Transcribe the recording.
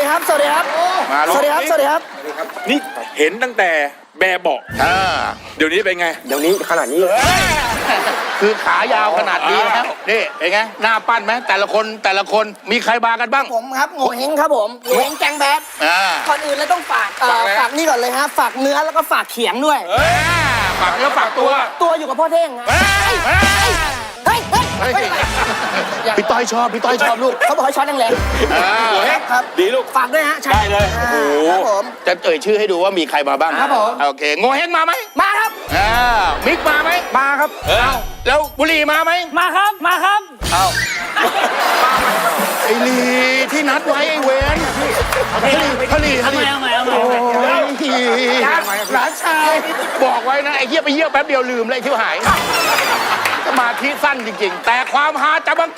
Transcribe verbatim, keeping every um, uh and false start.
ครับ สวัสดีครับมาลงสวัสดีครับ สวัสดีครับนี่เห็นตั้งแต่แบบเบาะอ่าเดี๋ยวนี้เป็นไงเดี๋ยวนี้ขนาดนี้คือขายาวขนาดนี้แล้วนี่เป็นไงหน้าปั้นไหมแต่ละคนแต่ละคนมีใครมากันบ้างผมครับโง่เฮงครับผมโง่เฮงแกงแบดอ่าก่อนอื่นเลยต้องฝากเอ่อฝากอะไรฝากนี่ก่อนเลยฮะ ฝากเนื้อแล้วก็ฝากเขียงด้วยอ่าฝากเนื้อฝากตัวตัวอยู่กับพ่อเท่งฮะเฮ้ยเฮ้ยเฮ้ย เฮ้ยเฮ้ยเฮ้ยพี่ต้อยชอบพี่ต้อยชอบลูกเขาบอกให้ช็อตแรงอ่าๆครับครับดีลูกฝากด้วยฮะใช่ได้เลยอ่าโอ้โหครับผมจะเอ่ยชื่อให้ดูว่ามีใครมาบ้างครับผมโอเคโงเฮงมาไหมมาครับอ่ามิกมาไหมมาครับเออแล้วบุรีมาไหมมาครับ มาครับเอาไอ้ลีที่นัดไว้ไอ้เวนพลีพลีพลีเอาใหม่เอาใหม่โอ้ยหลานชายบอกไว้นะไอ้เหี้ยไปเยี่ยวแป๊บเดียวลืมเลยไอ้ที่หายสมาธิสั้นจริงๆ แต่ความฮาจะบัง